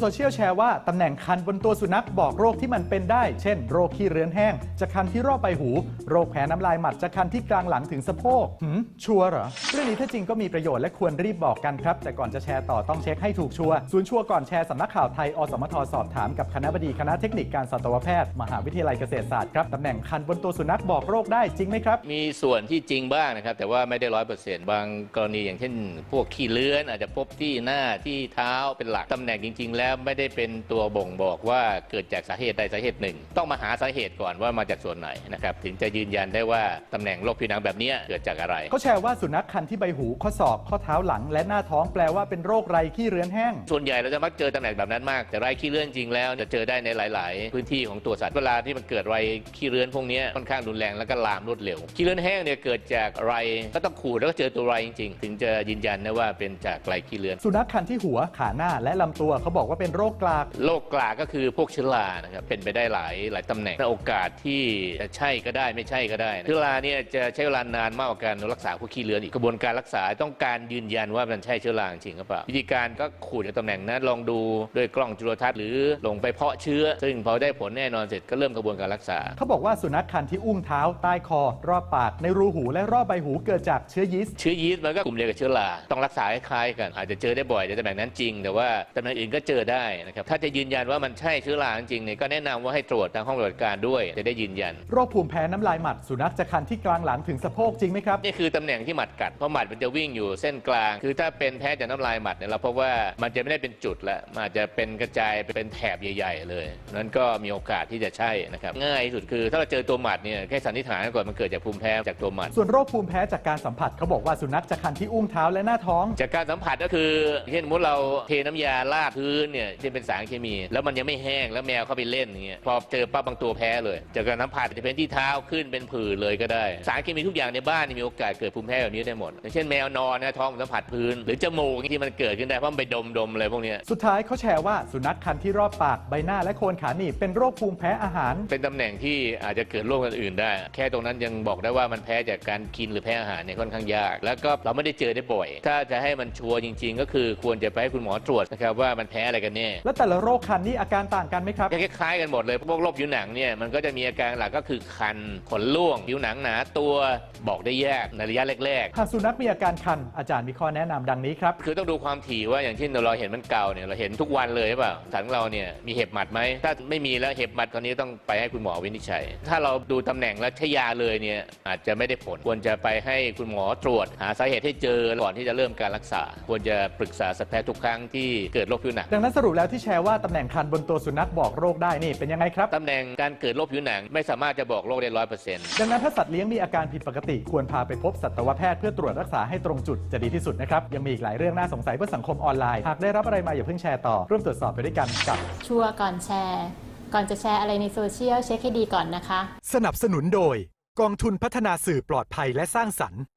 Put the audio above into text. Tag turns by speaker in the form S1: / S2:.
S1: โซเชียลแชร์ว่าตำแหน่งคันบนตัวสุนัขบอกโรคที่มันเป็นได้เช่นโรคขี้เรื้อนแห้งจากคันที่รอบใบหูโรคแพ้น้ำลายหมัดจากคันที่กลางหลังถึงสะโพกชัวร์เหรอเรื่องนี้ถ้าจริงก็มีประโยชน์และควรรีบบอกกันครับแต่ก่อนจะแชร์ต่อต้องเช็คให้ถูกชัวร์ศูนย์ชัวร์ก่อนแชร์สำนักข่าวไทยอสมทสอบถามกับคณบดีคณะเทคนิคการสัตวแพทย์มหาวิทยาลัยเกษตรศาสตร์ครับตำแหน่งคันบนตัวสุนัขบอกโรคได้จริงไหมครับ
S2: มีส่วนที่จริงบ้างนะครับแต่ว่าไม่ได้100%บางกรณีอย่างเช่นพวกขี้เลื้อนอาจจะพบที่หน้าที่เท้าเป็นหลักตำแหน่งจริงๆแล้วไม่ได้เป็นตัวบ่งบอกว่าเกิดจากสาเหตุใดสาเหตุหนึ่งต้องมาหาสาเหตุก่อนว่ามาจากส่วนไหนนะครับถึงจะยืนยันได้ว่าตำแหน่งโรคผิวหนังแบบนี้เกิดจากอะไร
S1: เขาแชร์ว่าสุนัขคันที่ใบหูข้อศอกข้อเท้าหลังและหน้าท้องแปลว่าเป็นโรคไรขี้เรื้อนแห้ง
S2: ส่วนใหญ่เราจะมักเจอตำแหน่งแบบนั้นมากแต่ไรขี้เรื้อนจริงแล้วจะเจอได้ในหลายๆพื้นที่ของตัวสัตว์เวลาที่มันเกิดไรขี้เรื้อนพวกนี้ค่อนข้างรุนแรงแล้วก็ลามรวดเร็วขี้เรื้อนแห้งเนี่ยเกิดจากไรก็ต้องขูดแล้วก็เจอตัวไรจริงๆถึงจะยืนยันได้ว่าเป็นจากไรขี้เรื้อน
S1: สุนัขคันที่หัวขาหน้าและลำตัวเขาบอกว่าเป็นโรคกลาก
S2: โรคกลากก็คือพวกเชื้อรานะครับเป็นไปได้หลายตำแหน่งโอกาสที่จะใช่ก็ได้ไม่ใช่ก็ได้เชื้อราเนี่ยจะใช้เวลานานมากกว่าการรักษาพวกขี้เรื้อนอีกกระบวนการรักษาต้องการยืนยันว่ามันใช่เชื้อราจริงหรือเปล่าวิธีการก็ขูดจากตำแหน่งนั้นลองดูด้วยกล้องจุลทรรศน์หรือลงไปเพาะเชื้อซึ่งพอได้ผลแน่นอนเสร็จก็เริ่มกระบวนการรักษา
S1: เขาบอกว่าสุนัขคันที่อุ้งเท้าใต้คอรอบปากในรูหูและรอบใบหูเกิดจากเชื้อยีสต์
S2: มันก็กลุ่มเดียวกับเชื้อราต้องรักษาคล้ายๆกันอาจจะเจอได้บ่อยในตำแหน่งนั้นจริงแต่ว่าตำแหน่งอื่นก็เจอได้นะครับถ้าจะยืนยันว่ามันใช่เชื้อราจริงเนี่ยก็แนะนำว่าให้ตรวจทางห้องปฏิบัติการด้วยจะได้ยืนยัน
S1: โรคภูมิแพ้น้ำลายหมัดสุนัขจะคันที่กลางหลังถึงสะโพกจริงไหมครับ
S2: นี่คือตำแหน่งที่หมัดกัดเพราะหมัดมันจะวิ่งอยู่เส้นกลางคือถ้าเป็นแพ้จากน้ำลายหมัดเนี่ยเราพบว่ามันจะไม่ได้เป็นจุดละมันอาจจะเป็นกระจายเป็นแถบใหญ่ๆเลยนั้นก็มีโอกาสที่จะใช่นะครับง่ายที่สุดคือถ้าเราเจอตัวหมัดเนี่ยแค่สันนิษฐานก่อนมันเกิดจากภูมิแพ้จากตัวหมัด
S1: ส่วนโรคภูมิแพ้จากการสัมผัสเขาบอกว่าสุนัขจะคันที่อุ้งเท้าและหน้าท้อง
S2: จากการสัมผัสก็คือเช่นสมมติเราเทน้ำยาลาดพื้นเนี่ยที่เป็นสารเคมีแล้วมันยังไม่แห้งแล้วแมวเข้าไปเล่นอย่างเงี้ยพอเจอปั๊บบางตัวแพ้เลยจากการสัมผัสจะเป็นที่เท้าขึ้นเป็นผื่นเลยก็ได้สารเคมีทุกอย่างในบ้านมีโอกาสเกิดภูมิแพ้แบบนี้ได้หมดอย่างเช่นแมวนอนนะท้องสัมผัสพื้นหรือจมูกที่มันเกิดขึ้นได้เพราะมันไปดมอะไรพวกนี้
S1: สุดท้ายเขาแชร์ว่าสุนัขคันที่รอบปากใบหน้าและโคนขาหนีบเป็นโรคภูมิแพ้อาหาร
S2: เป็นตำแหน่งที่อาจจะเกิดโรคอื่นได้แค่ตรงนั้นยังบอกได้ว่ามันแพ้จากการกินหรือแพ้อาหารเนี่ยค่อนข้างยากแล้วก็เราไม่ได้เจอได้บ่อยถ้าจะให้มันชัวร์จริงๆก็คือควรจะไปให้คุณหมอตรวจนะครับว่ามันแพ้อะไรกันแน่
S1: แล้วแต่ละโรคคันนี่อาการต่างกันไหมครับ
S2: คล้ายๆกันหมดเลยพวกโรคผิวหนังเนี่ยมันก็จะมีอาการหลักก็คือคันขนร่วงผิวหนังหนาตัวบอกได้ยากในระยะแรก
S1: ๆหากสุนัขมีอาการคันอาจารย์มีข้อแนะนำดังนี้ครับ
S2: คือต้องดูความถี่ว่าอย่างเช่นเราเห็นมันเก่าเนี่ยเราเห็นทุกวันเลยใช่ป่ะสันเราเนี่ยมีเห็บหมัดไหมถ้าไม่มีแล้วเห็บหมัดตอนนี้ต้องไปให้คุณหมอวินิจฉัยถ้าเราดูตำแหน่งแล้วใช้ยาเลยเนี่ยอาจจะไม่ได้ผลควรจะไปให้คุณหมอตรวจหาสาเหตุให้เจอก่อนที่จะเริ่มการรักษาควรจะปรึกษาสัตวแพทย์ทุกครั้งที่เกิดโรคผิวหนัง
S1: ดังนั้นสรุปแล้วที่แชร์ว่าตำแหน่งคันบนตัวสุนัขบอกโรคได้นี่เป็นยังไงครับ
S2: ตำแหน่งการเกิดโรคผิวหนังไม่สามารถจะบอกโรคได้100%
S1: ดังนั้นถ้าสัตว์เลี้ยงมีอาการผิดปกติควรพาไปพบสัตวแพทย์เพื่อตรวจรักษาให้ตรงจุดจะดีที่สุดนะครับยังมีอีกหลายเรื่องน่าสงสัยเพื่อสังคมออนไลน์หากได้รับอะไรมาอย่าเพิ่งแชร์ต่อร่วมตรวจสอบไปด้วยกันกับ
S3: ชัวร์ก่อนแชร์ก่อนจะแชร์อะไรในโซเชียลเช็คให้ดีก่อนนะคะ
S1: สนับสนุนโดยกองทุนพัฒนาสื่อปลอดภัยและสร้างสรรค์